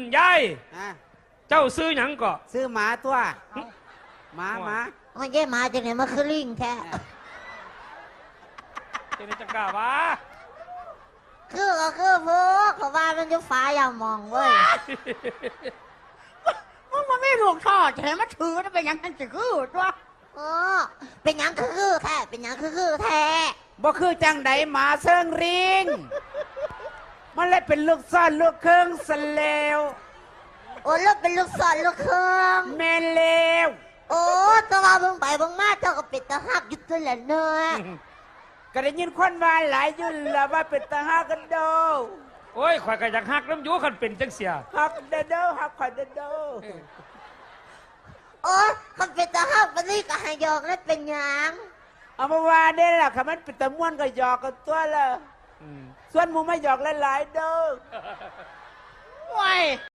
ยายอ่ะเจ้าซื้อหยังก็ซื้อหมาตัวหมาโอ้ยเย่มาจากไหนมาคือลิงแท้เจนจักราวะคือก็คือพวกเขาว่ามันอยู่ฟ้าอย่ามองเว้ยมึงมันไม่ลูกทอดแถมมาถือแล้วเป็นยังไงจะคือตัวอ๋อเป็นหยังคือแท้เป็นหยังคือแท้บ่คือจังไดหมาเซิงริงมันเลยเป็นลูกซ่อนลูกเครื่องสเลวโอ้ลูกเป็นลูกศรลูกเครื่องแม่เลวโอ้แตัวาเบิ่งไปเบิ่งมาเจ้าก็เป็นตาหักอยู่ตัวละเนื้อก็ได้ยินคนว่าหลายยุ่นละว่าเป็นตาฮักกันโดโอ้ยข่อยก็อยากฮักน้ำอยูคันเป็นจังเสียฮักเดอโดฮักขวัญเดอโดโอ้มันเป็นตาหักมันนี่ก็ให้ยอกแล้วเป็นหยังเอามาว่าได้ล่ะค่ะมันเป็นตะม่วนก็หยอกกันตัวละส่วนหมูไม่หยอกหลายๆเด้อว้ย